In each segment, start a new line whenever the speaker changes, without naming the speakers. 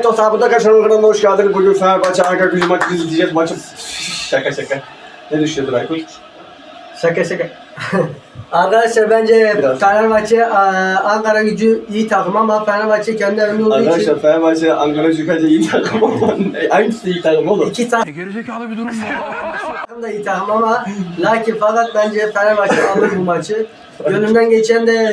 dostlar, bu da Kaşar'ın kanalına hoş geldiniz. Bugün Fenerbahçe Ankara Gücü maçını izleyeceğiz. Maçı... Şaka. Ne düşünüyorsun Aykut?
Şaka. Arkadaşlar bence
Biraz.
Fenerbahçe Ankara Gücü iyi takım ama Fenerbahçe kendi evinde olduğu için
Arkadaşlar Fenerbahçe Ankara Gücü bence iyi takım ama hangisi iyi takım oğlum?
iki takım
Gerizekalı bir durum bu.
da iyi takım ama fakat bence Fenerbahçe alır bu maçı. Gönlümden geçen de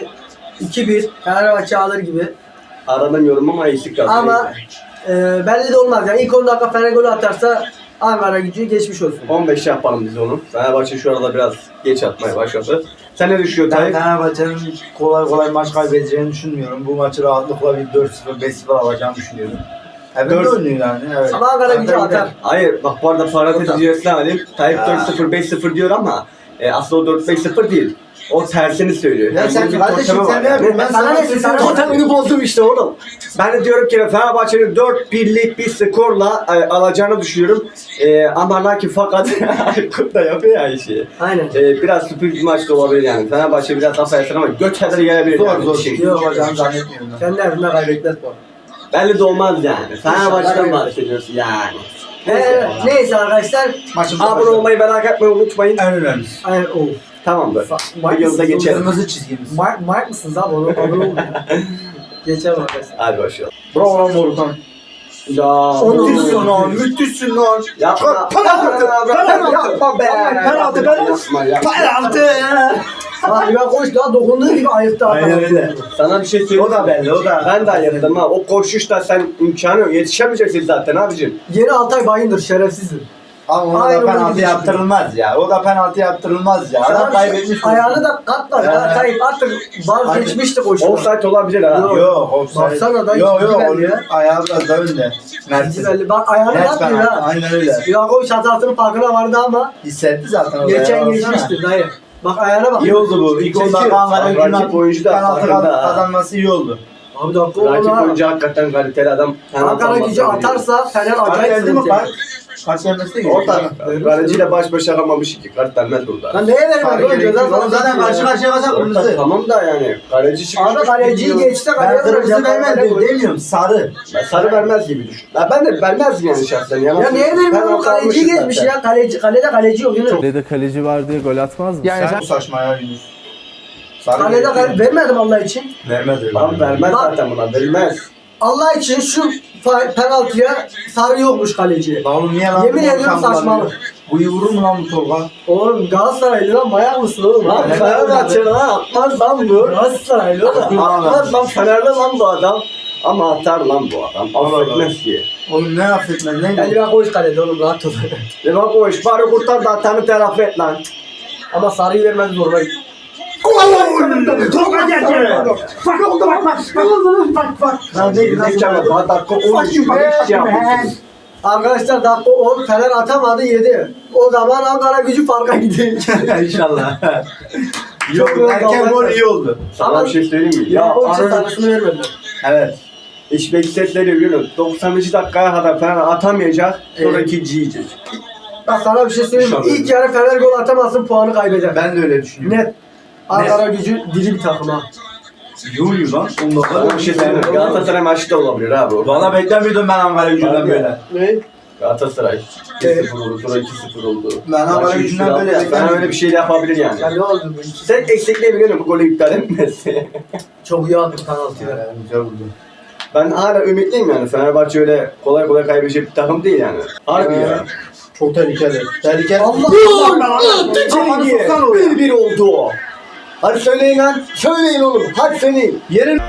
2-1 Fenerbahçe alır gibi.
Aranamıyorum ama eksik kaldı.
Ama belli de olmaz yani ilk 10 dakika Fener golü atarsa Ankara Gücü geçmiş olsun.
15 yapalım biz onu. Fenerbahçe şu arada biraz geç atmaya başladı. Sen ne düşünüyorsun
Ben
Tayyip?
Fenerbahçe'nin kolay maç kaybedeceğini düşünmüyorum. Bu maçı rahatlıkla bir 4-0, 5-0 alacağını düşünüyorum. Evinde
4
oynuyor yani. Evet.
Ama Ankara Gücü atar.
Hayır bak bu arada parantez içerisine alayım. Tayyip 4-0 5-0 diyor ama aslında o 4-5-0 değil. O tersini söylüyor.
Ya sen
bunun bir
kardeşim
totemi
sen
var
ne yapıyorsun? Ben sana ne
Sen
totemini bozdum işte oğlum. Ben de diyorum ki Fenerbahçe'nin 4-1'lik bir skorla alacağını düşünüyorum. Ama lakin fakat Aykut da yapıyor ya işi.
Aynen.
Biraz sürpriz bir maç da olabilir yani. Fenerbahçe biraz hafif yesin ama göç kadar gelebilir yani.
zor.
Şey.
Yok olacağını zannetmiyorum ben.
Kendi evinde kaybetmez bu.
Belli de olmaz yani. Fenerbahçe'den
İnşallah.
bahsediyorsun yani.
Neyse arkadaşlar.
Maçımıza
Abone
başlayalım.
olmayı merak etmeyi unutmayın.
En önemlisi.
Aynen o.
Tamamdır.
Mark
Videomuza
mısınız?
geçelim.
Kırmızı çizgimiz.
Mark mısınız abi? Onu abone olun. Geçelim arkadaşlar.
Hadi başlayalım.
Bravo lan Morutan.
Ya.
Müthişsin lan, müthişsin lan.
Yapma.
Penaltı.
Yapma be.
Penaltı. Penaltı.
Abi ben koş daha dokunduğu gibi ayıktı adam.
Aynen öyle.
Sana bir şey söyleyeyim.
O da belli, o da.
Ben de ayırdım ha. O koşuşta sen imkanı yok. Yetişemeyeceksin zaten abicim.
Yeni Altay Bayındır şerefsizdir.
Ama ona
Aynen
da penaltı
öyle
yaptırılmaz ya. O da penaltı yaptırılmaz ya. Adam kaybetmiş.
Ayağını da katlar ya. Tayyip artık vazgeçmişti koşuda.
Offside olabilir ha.
Yok.
Yok, offside.
Baksana da
Yok,
ikinci belli
onun
ya.
ayağı biraz da önde. Mert'in.
Belli. Bak ayağını
Net
katmıyor
penaltı,
ha.
aynen öyle.
Yakovic hatasının farkına vardı ama
Hissetti zaten o
geçen
ayağı,
geçmişti dayı. Bak ayağına bak.
İyi oldu bu. İlk
Çekiyor.
10 dakika Ankara
Rakip
Gücü'nün
oyuncu da
penaltı
farkında ha.
kazanması iyi oldu.
Abi dakika
Rakip
oldu ha.
oyuncu hakikaten kaliteli adam.
Ankara Gücü atarsa Fener
Kart
acayip
geldi mi
sıkıntı.
kart? Kart gelmesi de
Orta.
gerekiyor.
Kaleciyle baş başa kalmamış iki. Kart vermez burada.
Lan neye vermez
Kart
oğlum ceza
gerekiyor.
sana
Zaten karşı karşıya kalsa
Orta,
kırmızı.
tamam da yani. Kaleci çıkmış.
Abi kaleciyi geçti kaleye
Ben kırmızı
vuracak.
vermez demiyorum. Sarı.
Ben sarı vermez gibi düşün. Ben de vermez yani şahsen.
Ya niye vermiyor? Kaleciyi geçmiş ya. Kalede kaleci yok Yunus.
Kalede kaleci var diye gol atmaz mı?
Yani
Bu saçma ya Yunus. Sarı
Kalede
gerekiyor.
vermedim Allah için.
Vermez öyle.
Lan vermez
Bak.
zaten buna. Verilmez.
Allah için şu penaltıya sarı yokmuş kaleciye.
Lan oğlum niye lan?
Yemin
bu
ediyorum
Volkan
saçmalık.
kullanıyor? Bu vurur mu lan bu Tolga?
Oğlum Galatasaraylı lan manyak mısın oğlum?
Lan Fenerbahçe lan atmaz lan bu.
Galatasaraylı oğlum.
Atmaz lan Fenerli lan bu adam. Ama atar lan bu adam. Affetmez ki.
Oğlum ne affetmez ne?
Yani ben koş kalede oğlum rahat ol.
Ve bak o iş bari kurtar da atanı telafi et lan.
Ama sarıyı vermez zoruna gitti.
Tolga geldi. Bak.
Lan değil lan. Daha dakika 13 hiç yapmışsın.
Arkadaşlar dakika 10 Fener atamadı 7. O zaman Ankara Gücü farka gidiyor.
İnşallah.
Çok
Erken gol iyi oldu.
Sana bir şey söyleyeyim mi?
Ya o için
Arada
sarısını vermediler.
Evet.
iş bekletleri biliyorum. 90. dakikaya kadar Fener atamayacak. Sonra ikinci yiyecek.
Bak sana bir şey söyleyeyim mi?
İnşallah.
İlk yarı Fener gol atamazsın puanı kaybeder.
Ben de öyle düşünüyorum.
Net. Ankara Gücü diri bir takım ha.
Yoruyor lan.
Sana bir şey söyleyeyim mi? Galatasaray maçı da olabilir abi o.
Valla beklemiyordum ben Ankara Gücü'nden böyle.
Ne?
Galatasaray 2-0 oldu, sonra 2-0 oldu.
Ben Ankara
Maçı
Gücü'nden
3-1
böyle
aldı.
beklemiyordum.
Ben öyle bir şey de yapabilir yani.
Ya ne oldu bu?
Sen eksikliği biliyor musun bu golü iptal etmesi?
Çok iyi attı penaltıyı.
Güzel vurdu.
Ben hala ümitliyim yani. Fenerbahçe öyle kolay kolay kaybedecek bir takım değil yani. Harbi ya.
Çok tehlikeli. Tehlikeli.
Allah
Kafanı soksan oraya.
1-1 oldu o. Hadi söyleyin lan. Söyleyin oğlum. Hadi söyleyin.
Yerin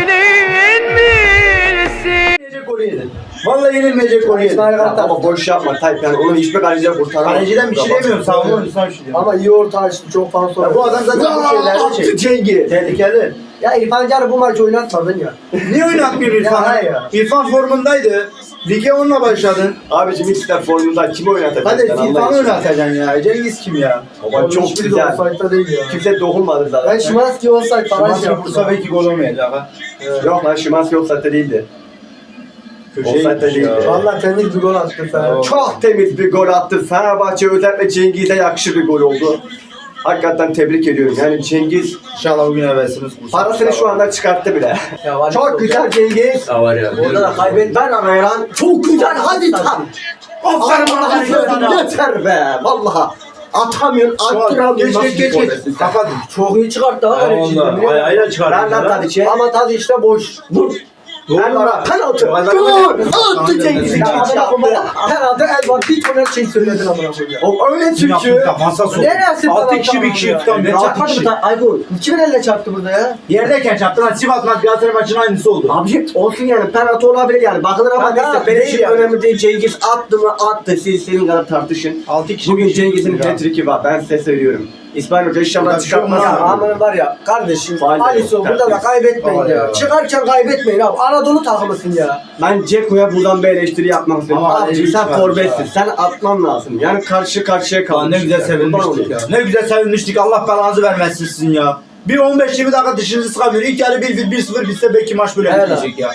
yenilmeyecek golü yedin. Vallahi yenilmeyecek golü yedin.
Ama boş yapma Tayyip yani onu hiçbir kaleciye kurtaramaz.
Kaleciden bir şey demiyorum. Savunma oyuncusundan bir şey demiyorum.
Ama iyi orta açtı çok fazla sonra.
Ya bu adam zaten bu şeyleri
Attı
çek.
Cengiz.
Tehlikeli.
Ya İrfan Can'ı bu maçı oynatmadın ya.
Niye oynatmıyor
Ya,
İrfan?
ya.
İrfan formundaydı. Lige onunla başladın.
Abicim hiç de formunda kimi oynatacak?
Hadi
sen Allah
İrfan'ı
için.
oynatacaksın ya. Cengiz kim ya?
Baba çok
Hiçbiri de
güzel.
offside'da değil ya.
Kimse dokunmadı zaten.
Ben Şimanski olsaydı falan şey
Maçı
yaptım.
vursa belki gol olmayacak ha.
Yok lan Şimanski offside'de değildi.
Köşeye
Offside'de
gitmiş
değildi.
ya.
Valla temiz bir gol attı Fener.
Ya.
Çok temiz bir gol attı. Fenerbahçe özellikle Cengiz'e yakışır bir gol oldu. Hakikaten tebrik ediyorum. Yani Cengiz
İnşallah bugün hevesimiz kursun.
parasını şu anda çıkarttı bile.
Ya var
Çok güzel Cengiz.
Ya var ya.
Orada da kaybet.
Ben arayan çok güzel hadi tam. Aferin bana yeter be. Vallahi atamıyorsun, attıramıyorsun.
Geç. Kapat.
Çok iyi çıkarttı ha. öyle şimdi, biliyor musun?
Ayağıyla çıkardı.
Ver lan Tadiç'e.
Ama tadı işte boş.
Vur. Ben ara penaltı.
Gol.
Attı Cengiz'i çarptı.
Herhalde el var. Bir tane şey söyledin amına koyayım.
O öyle çünkü.
Defansa sok.
Neresi
6 kişi bir kişi tutan bir 6
Çarpmadı
kişi.
mı? Aykut. Kimin elle çarptı burada ya?
Yerdeyken çarptı lan Sivas maç Galatasaray maçının aynısı oldu.
Abi olsun yani penaltı olabilir yani. Bakılır ama
Tamam,
neyse benim
değil
için
yani.
önemli değil. Cengiz attı mı attı. Siz senin kadar tartışın.
6 kişi.
Bugün
bir kişi
Cengiz'in
tutuyor ya.
hat-trick'i var. Ben size söylüyorum. İsmail Hoca inşallah
Burada bir şey olmaz
çıkartmaz.
Ya
abi.
aman var ya kardeşim
Faal de
Alisson
yok,
burada da
tertemiz.
kaybetmeyin
Faal
ya.
ya.
Çıkarken kaybetmeyin abi. Anadolu takımısın ya.
Ben Ceko'ya buradan bir eleştiri yapmak istiyorum.
Ama
Abi
eleştiri
sen
çıkarmış
forvetsin.
ya.
Sen atman lazım. Yani karşı karşıya
Lan
kalmış.
ne güzel sevinmiştik ya. Ne güzel sevinmiştik. Allah belanızı vermesin sizin ya. Bir 15-20 dakika dışınızı sıkamıyor. İlk yarı 1-1 bitse belki maç böyle
Evet
bitecek ya.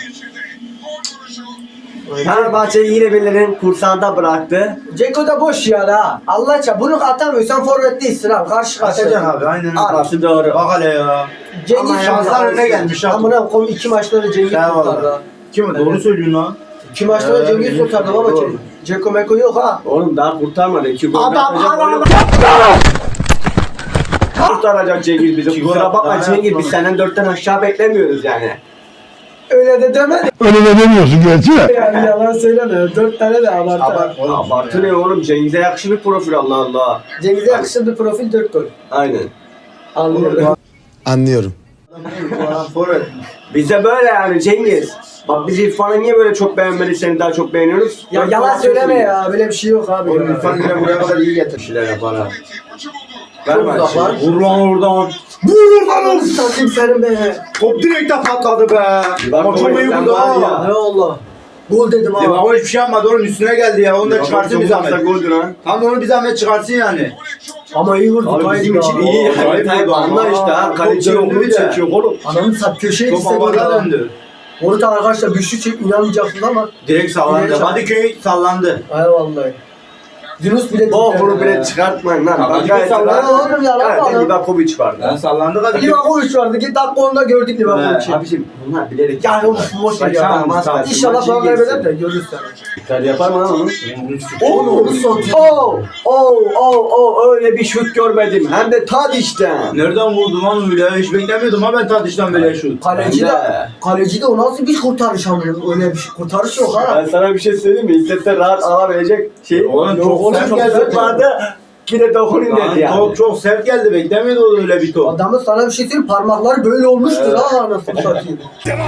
Fenerbahçe'yi yine birilerinin kursağında bıraktı.
Ceko da boş ya da. Allah aşkına bunu atamıyorsan forvet değilsin abi. Karşı
Atacaksın
karşıya.
abi aynen öyle.
Arası doğru.
Bak hele ya.
Cengiz
Ama
şanslar önüne gelmiş ha.
Amına koyayım 2 maçları Cengiz
Sen
kurtardı.
valla.
ha.
Kim o? Doğru söylüyorsun lan.
2 maçları Cengiz kurtardı baba.
Doğru.
Ceko Meko yok ha.
Oğlum daha kurtarmadı. 2 gol
Adam,
atacak,
adam.
oyunu- Kurtaracak Cengiz bizi.
İki gol
Kusura bakma
attı,
Cengiz
ha.
biz senden 4'ten aşağı beklemiyoruz yani.
Öyle de demedi.
Öyle de demiyorsun gerçi de.
Yani yalan söyleme. 4 tane de abartı.
Abart oğlum.
Abartı ne oğlum Cengiz'e yakışır bir profil Allah Allah.
Cengiz'e yakışır bir profil 4 gol.
Aynen.
Anlıyorum.
Anlıyorum.
Forvet.
Bize böyle yani Cengiz. Bak biz İrfan'ı niye böyle çok beğenmedik seni daha çok beğeniyoruz?
Ya yalan söyleme ya. Böyle bir şey yok abi.
Oğlum
ya.
İrfan yine buraya kadar iyi getir.
Şeyler yapar ha.
Çok uzak lan.
Vur lan oradan.
Vur lan satayım senin be.
Top direkt de patladı be. Ama çok iyi
sen
vurdu
var
ha.
Ne Allah. Gol dedim abi.
Ama hiçbir şey yapmadı onun üstüne geldi ya. Onu da çıkarsın bir zahmet.
Goldü lan.
Tam da onu bir zahmet çıkarsın yani.
Ama iyi vurdu.
Abi bizim için iyi yani.
Tayyip
Tayyip
vurdu
anla
ama.
işte ha. Kaleci
Top döndü
yolunu
bir de.
çekiyor oğlum.
Ananı sat köşeye
Top
gitse gol
havada
ya.
döndü.
Orada arkadaşlar güçlü çek inanmayacaksınız ama.
Direkt sallandı.
Direkt
Hadiköy sallandı.
Ay vallahi. Yunus bile
Boğuru bile çıkartmayın lan.
Tamam,
Ben gayet
sallan oğlum ya, lan
gayet
lan.
Livakovic vardı.
Lan sallandı Hadiköy.
Livakovic vardı. Git dakika onda gördük Livakovic'i.
Abiciğim bunlar bilerek.
Ya oğlum boş ver ya.
Saçma.
İnşallah falan kaybeder de görürsen.
Dikkat yapar mı lan onu?
Oğlum onu satıyor.
Öyle bir şut görmedim. Hem de Tadiç'ten.
Nereden vurdu lan öyle? Hiç beklemiyordum ha ben Tadiç'ten böyle şut.
Kaleci
Ben
de,
de.
kaleci de o nasıl bir kurtarış amına öyle bir şey. Kurtarış yok ha.
Ben sana bir şey söyleyeyim mi? İstese rahat alabilecek şey.
Oğlum çok
oğlum,
sert
çok
geldi.
sert
vardı. Bir de dokunayım dedi
Lan
yani.
top çok sert geldi. Beklemiyordum öyle bir top.
Adamın sana bir şey söyleyeyim parmakları böyle olmuştur ha anasını satayım.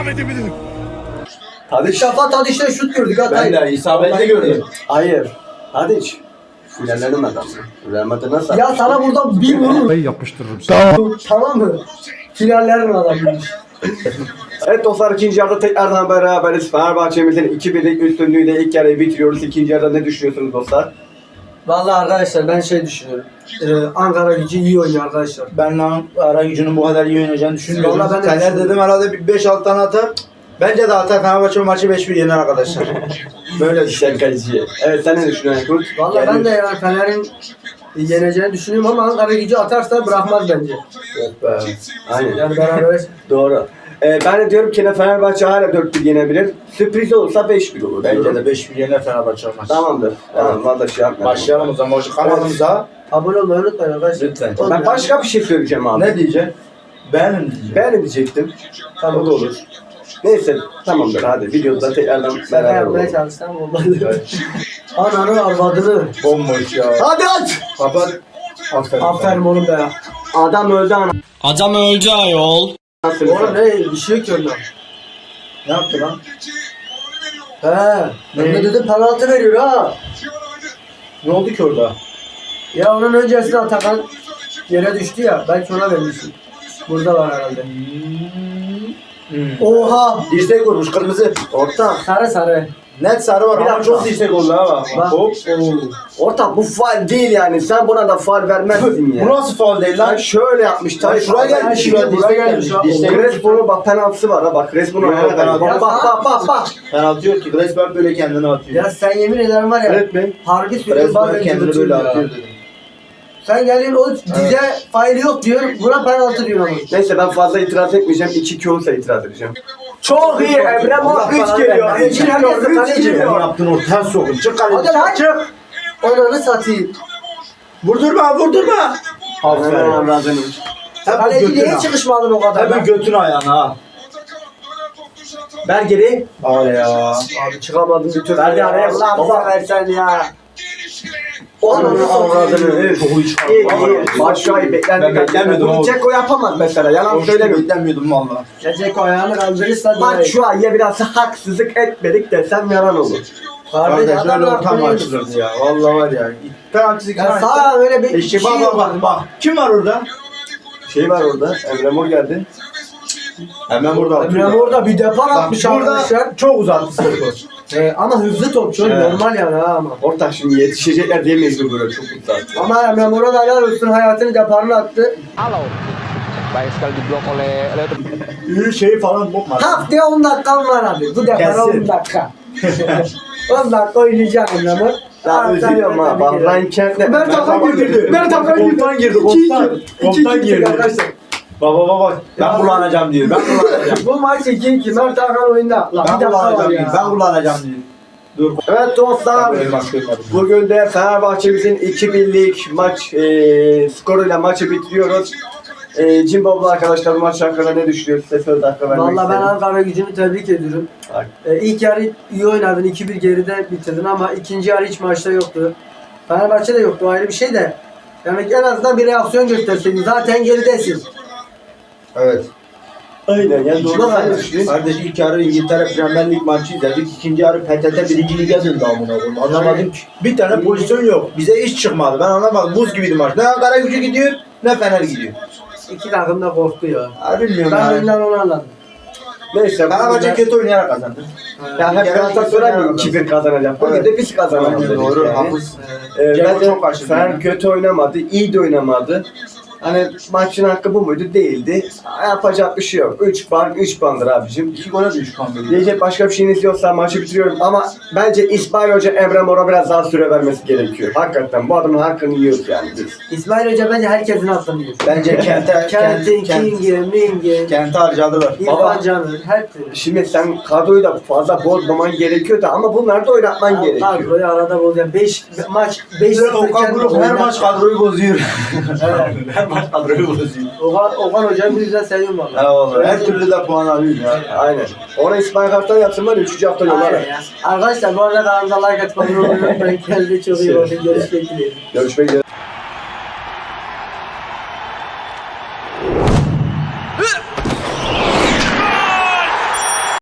Tadiç.
Şafat hadi işte şut gördük ha.
Ben de isabetli gördüm.
Hayır. Tadiç. Finallerin adamı. Real Madrid nasıl?
Ya sana buradan bir vurur.
Yapıştırırım. Tamam.
Tamam mı? Finallerin adamıymış.
Evet dostlar ikinci yarıda tekrardan beraberiz. Fenerbahçe'mizin 2-1'lik üstünlüğüyle ilk yarıyı bitiriyoruz. İkinci yarıda ne düşünüyorsunuz dostlar?
Vallahi arkadaşlar ben şey düşünüyorum. Ankara Gücü iyi oynuyor arkadaşlar.
Ben lan ara gücünün bu kadar iyi oynayacağını düşünmüyorum.
Vallahi ben de
Fener
düşünmüyorum.
dedim herhalde bir 5-6 tane atar. Bence de atar Fenerbahçe maçı 5-1 yener arkadaşlar. Böyle düşünüyorum.
Şakacı. Evet sen ne düşünüyorsun Aykut?
Vallahi ben de yani Fener'in yeneceğini düşünüyorum ama Ankara Gücü atarsa bırakmaz bence.
Yok be.
Aynen.
Yani beraber
Doğru. Ben de diyorum ki Fenerbahçe hala 4-1 yenebilir. Sürpriz olursa 5-1 olur.
Bence
diyorum.
de 5-1 yener Fenerbahçe maçı.
Tamamdır. Tamam valla şey yapmayalım.
Başlayalım o zaman. Şu kanalımıza.
abone olmayı unutmayın arkadaşlar.
Lütfen.
Ben başka bir şey söyleyeceğim abi.
Ne diyeceksin? Beğenin diyeceğim.
Ben ne diyecektim?
Tamam.
O da olur. Neyse tamamdır hadi videoda tekrardan beraber
Yapmaya
olalım.
çalışsam olmadı. Ananı arvadını.
Bomboş ya.
Hadi aç!
Kapat. Aferin.
Aferin oğlum be.
Adam öldü
Adam öldü ayol.
anasını.
Oğlum ne bir şey yok ki onda.
Ne yaptı lan?
He. Ben de dedim penaltı veriyor ha.
Ne oldu ki orada?
Ya onun öncesinde Atakan yere düştü ya. Belki ona vermişsin. Burada var herhalde. Oha.
Dirsek vurmuş kırmızı.
Orta.
Sarı sarı.
Net sarı var
Bir
ama
dakika.
çok dirsek oldu ha.
Bak.
Hop.
Orta bu faul değil yani. Sen buna da faul vermezsin ya.
Bu nasıl faul değil
Sen
lan?
şöyle yapmış. Tabii
Şuraya gelmiş,
Şuraya
şuraya gelmiş.
İşte Crespo'nun bak penaltısı var ha bak. Crespo'nun
Yok,
ayağına
penaltı.
kaydı. Bak.
Penaltı yok ki. Resmen böyle kendini atıyor.
Ya sen yemin ederim var ya.
Evet mi?
Harbi söylüyorum
Resmen
bazen
kendini böyle
cıvıtıyor ya.
atıyor dedim.
Sen gelin o dize faili yok diyor. Buna penaltı diyor ama.
Neyse ben fazla itiraz etmeyeceğim. 2-2 olsa itiraz edeceğim. Çok iyi Emre Mor 3 geliyor. 3 geliyor. 3
Ne
geliyor.
yaptın o ters sokun. Çık
Hadi
kaleci.
lan.
Çık.
Onları satayım.
Vurdurma vurdurma.
Aferin.
Aferin. Hep
Kaleci
götüne.
niye çıkışmadın o kadar?
Hep
lan?
götün ayağına ha.
Ver geri.
Var ya.
Abi çıkamadım bir türlü.
Ver
ya.
araya, ulan bize
Baba versen ya. Onu avradını.
Çok iyi çıkardı.
İyi iyi. Maç şu an beklendik.
Ben beklemiyordum
Bunu
oğlum.
Ceko yapamaz mesela. Yalan
Hoş
söylemiyorum.
beklemiyordum valla.
Gelecek o ayağını kaldırırsa
Maç
direkt.
şu an ya biraz haksızlık etmedik desem yalan olur.
Kardeş
Kardeş öyle
adamlar
ortam
kuruyor.
açılırdı ya. Valla var ya. Penaltısı
Ya sağ öyle bir
İşte
şey
bak
yok.
bak bak bak. Kim var orada?
Şey var orada. Emre Mor geldi.
Hemen burada.
Emre orada bir depar
Bak
atmış
burada
arkadaşlar.
çok uzattı topu.
Ama hızlı topçu
Evet.
normal yani ha ama.
Ortak şimdi yetişecekler diye mecbur böyle çok mutlu.
Ama Emre Mor'a da helal olsun hayatını deparını attı.
Baik sekali diblok oleh
İyi şey falan bokma.
Tak diye 10 dakikam var abi. Bu depara
Kesin.
10 dakika. 10 dakika oynayacağım Emre Mor.
Ya üzülüyorum ha. Bak Ryan Kent'le.
Mert Hakan girdi. Mert Hakan girdi.
Komutan girdi. Komutan. Komutan girdi.
Arkadaşlar.
Baba baba ben kullanacağım diyor. Ben kullanacağım.
Bu maç 2-2. Mert Hakan oyunda. Lan
Ben
bir dakika var
kullanacağım diyor.
ya.
Ben kullanacağım diyor. Dur.
Evet dostlar.
Ben böyle maç görmedim.
Bugün de Fenerbahçe'mizin 2-1'lik maç skoruyla maçı bitiriyoruz. Cimbomlu arkadaşlar bu maç hakkında ne düşünüyor? Size söz hakkı vermek
Valla ben
isterim.
Ankara gücünü tebrik ediyorum.
Bak.
İlk yarı iyi oynadın. 2-1 geride bitirdin ama ikinci yarı hiç maçta yoktu. Fenerbahçe de yoktu. Ayrı bir şey de. Yani en azından bir reaksiyon gösterseydin. Zaten geridesin.
Evet.
Aynen yani doğru sen ne düşünüyorsun?
Kardeş ilk yarı İngiltere Premier Lig maçı izledik. İkinci yarı PTT 1. Lig'e döndü amına koyayım. Anlamadım ki. Bir tane pozisyon yok. Bize iş çıkmadı. Ben anlamadım. Buz gibiydi maç. Ne Ankara Gücü gidiyor ne Fener gidiyor.
İki takım da korktu ya.
Ha bilmiyorum
Ben
ya.
oyundan onu anladım.
Neyse.
Fenerbahçe
bugün de-
kötü oynayarak kazandı.
Ya hep Galatasaray mı 2-1 kazanacak? Bugün
Evet.
de biz kazanalım
Aynen,
dedik
doğru.
yani.
Haklısın.
Bence
Ceko çok karşı
Fener
değil.
kötü oynamadı, iyi de oynamadı. Hani maçın hakkı bu muydu? Değildi. Yapacak bir şey yok. 3 puan, 3 puandır abicim.
2 gole de 3 puan veriyor.
Diyecek başka bir şeyiniz yoksa maçı bitiriyorum ama bence İsmail Hoca Emre Mor'a biraz daha süre vermesi gerekiyor. Hakikaten bu adamın hakkını yiyoruz yani biz.
İsmail Hoca bence herkesin hakkını yiyor.
Bence
Kentin, King'i, Ming'i,
Kent'i harcadılar.
İrfan Can'ı, her türlü.
Şimdi sen kadroyu da fazla bozmaman gerekiyor da ama bunları da oynatman gerekiyor.
Kadroyu arada bozuyor. 5 maç 5
Okan Buruk her maç kadroyu bozuyor.
Evet.
Her maç kadroyu bozuyor.
Okan Hoca'yı bu yüzden seviyorum valla.
Eyvallah. Her türlü de puan alıyor ya.
Aynen. Ona İsmail Kartal yapsın var ya 3. hafta yollar.
Aynen ya. Arkadaşlar bu arada kanalımıza like atmayı unutmayın. Kendinize çok iyi bakın. Görüşmek dileğiyle.
Görüşmek üzere.